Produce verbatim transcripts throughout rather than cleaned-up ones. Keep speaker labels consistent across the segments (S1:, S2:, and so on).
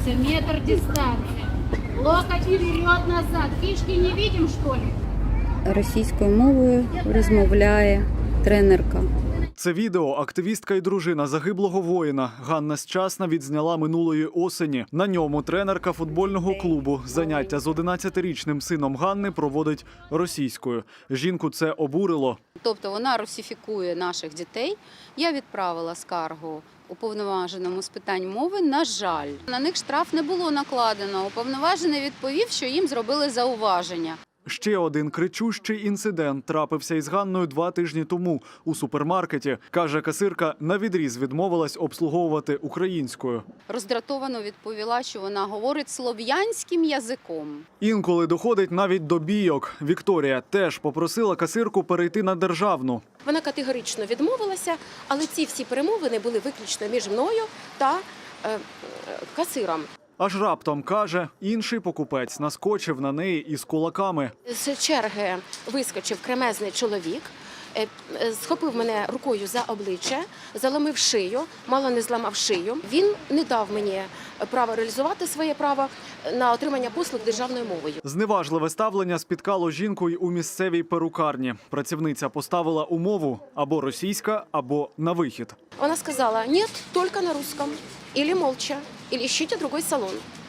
S1: Двигаемся, метр дистанции. Локоть вперед-назад. Фишки не видим, что ли?
S2: Російською мовою розмовляє тренерка.
S3: Це відео активістка і дружина загиблого воїна Ганна Счасна відзняла минулої осені. На ньому тренерка футбольного клубу заняття з одинадцятирічним сином Ганни проводить російською. Жінку це обурило.
S4: Тобто вона русифікує наших дітей. Я відправила скаргу уповноваженому з питань мови. На жаль, на них штраф не було накладено. Уповноважений відповів, що їм зробили зауваження.
S3: Ще один кричущий інцидент трапився із Ганною два тижні тому у супермаркеті. Каже, касирка навідріз відмовилась обслуговувати українською.
S4: Роздратовано відповіла, що вона говорить слов'янським язиком.
S3: Інколи доходить навіть до бійок. Вікторія теж попросила касирку перейти на державну.
S5: Вона категорично відмовилася, але ці всі перемовини були виключно між мною та е, касиром.
S3: Аж раптом, каже, інший покупець наскочив на неї із кулаками.
S5: З черги вискочив кремезний чоловік, е, е, схопив мене рукою за обличчя, заломив шию, мало не зламав шию. Він не дав мені право реалізувати своє право на отримання послуг державною мовою.
S3: Зневажливе ставлення спіткало жінку й у місцевій перукарні. Працівниця поставила умову або російська, або на вихід.
S5: Вона сказала: «Ні, тільки на русском, або молча, або ищите другой салон».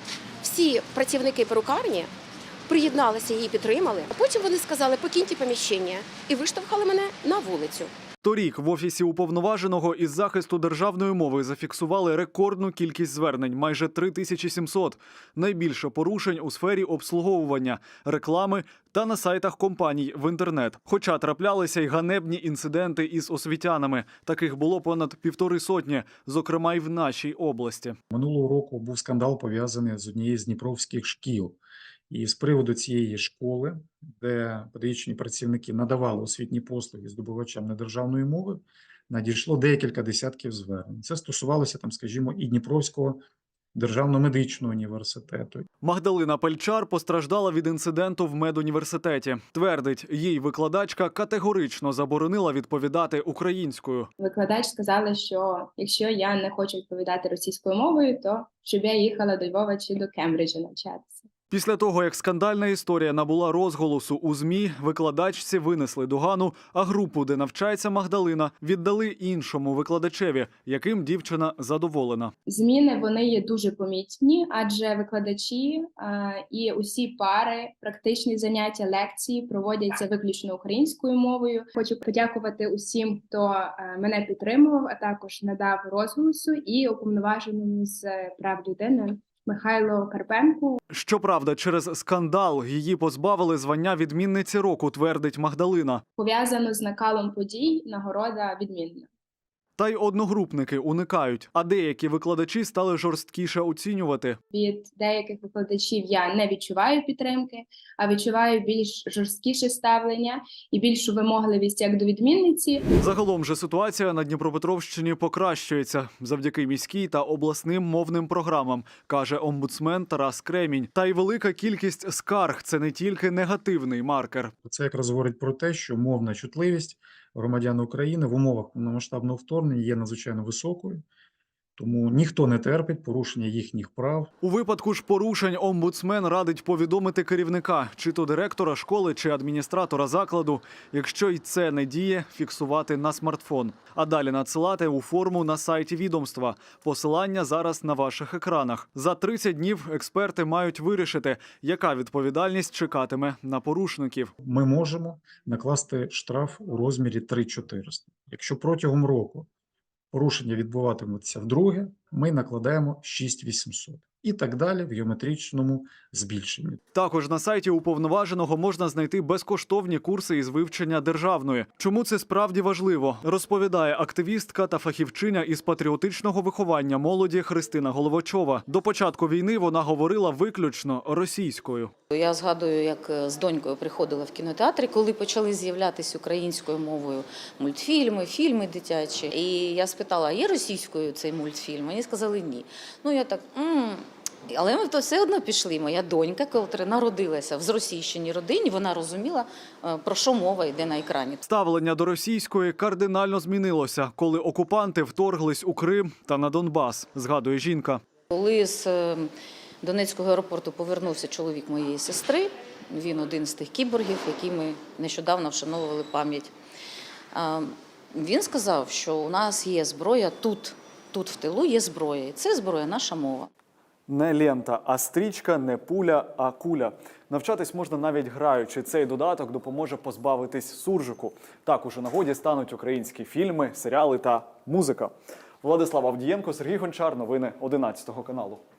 S5: Всі працівники перукарні приєдналися, її підтримали. А потім вони сказали: «Покиньте поміщення», і виштовхали мене на вулицю.
S3: Торік в Офісі уповноваженого із захисту державної мови зафіксували рекордну кількість звернень – майже три тисячі сімсот. Найбільше порушень у сфері обслуговування, реклами та на сайтах компаній в інтернет. Хоча траплялися й ганебні інциденти із освітянами. Таких було понад півтори сотні, зокрема й в нашій області.
S6: Минулого року був скандал, пов'язаний з однією з дніпровських шкіл. І з приводу цієї школи, де педагогічні працівники надавали освітні послуги здобувачам недержавної мови, надійшло декілька десятків звернень. Це стосувалося, там, скажімо, і Дніпровського державного медичного університету.
S3: Магдалина Пельчар постраждала від інциденту в медуніверситеті. Твердить, їй викладачка категорично заборонила відповідати українською.
S7: Викладач сказала, що якщо я не хочу відповідати російською мовою, то щоб я їхала до Львова чи до Кембриджа навчатися.
S3: Після того, як скандальна історія набула розголосу у ЗМІ, викладачці винесли догану, а групу, де навчається Магдалина, віддали іншому викладачеві, яким дівчина задоволена.
S7: Зміни, вони є дуже помітні, адже викладачі а, і усі пари, практичні заняття, лекції проводяться виключно українською мовою. Хочу подякувати усім, хто а, мене підтримував, а також надав розголосу, і уповноваженому з прав людини Михайло Карпенку.
S3: Щоправда, через скандал її позбавили звання відмінниці року, твердить Магдалина.
S7: Пов'язано з накалом подій, нагорода відмінна.
S3: Та й одногрупники уникають, а деякі викладачі стали жорсткіше оцінювати.
S7: Від деяких викладачів я не відчуваю підтримки, а відчуваю більш жорсткіше ставлення і більшу вимогливість як до відмінниці.
S3: Загалом же ситуація на Дніпропетровщині покращується завдяки міській та обласним мовним програмам, каже омбудсмен Тарас Кремінь. Та й велика кількість скарг – це не тільки негативний маркер.
S6: Це якраз говорить про те, що мовна чутливість громадян України в умовах повномасштабного вторгнення є надзвичайно високою, тому ніхто не терпить порушення їхніх прав.
S3: У випадку ж порушень омбудсмен радить повідомити керівника, чи то директора школи, чи адміністратора закладу. Якщо й це не діє, фіксувати на смартфон. А далі надсилати у форму на сайті відомства. Посилання зараз на ваших екранах. За тридцять днів експерти мають вирішити, яка відповідальність чекатиме на порушників.
S6: Ми можемо накласти штраф у розмірі три тисячі чотириста. Якщо протягом року порушення відбуватимуться вдруге, ми накладаємо шість тисяч вісімсот. І так далі в геометричному збільшенні.
S3: Також на сайті уповноваженого можна знайти безкоштовні курси із вивчення державної. Чому це справді важливо, розповідає активістка та фахівчиня із патріотичного виховання молоді Христина Головачова. До початку війни вона говорила виключно російською.
S4: Я згадую, як з донькою приходила в кінотеатрі, коли почали з'являтися українською мовою мультфільми, фільми дитячі. І я спитала, є російською цей мультфільм? Мені сказали ні. Ну я так... М-м". Але ми то все одно пішли. Моя донька, котра народилася в зросійщеній родині, вона розуміла, про що мова йде на екрані.
S3: Ставлення до російської кардинально змінилося, коли окупанти вторглись у Крим та на Донбас, згадує жінка.
S4: Коли з е, Донецького аеропорту повернувся чоловік моєї сестри, він один з тих кіборгів, які ми нещодавно вшановували пам'ять. А, Він сказав, що у нас є зброя тут, тут в тилу є зброя, і це зброя наша мова.
S3: Не лента, а стрічка, не пуля, а куля. Навчатись можна навіть граючи. Цей додаток допоможе позбавитись суржику. Так, у нагоді стануть українські фільми, серіали та музика. Владислав Авдієнко, Сергій Гончар. Новини одинадцятого каналу.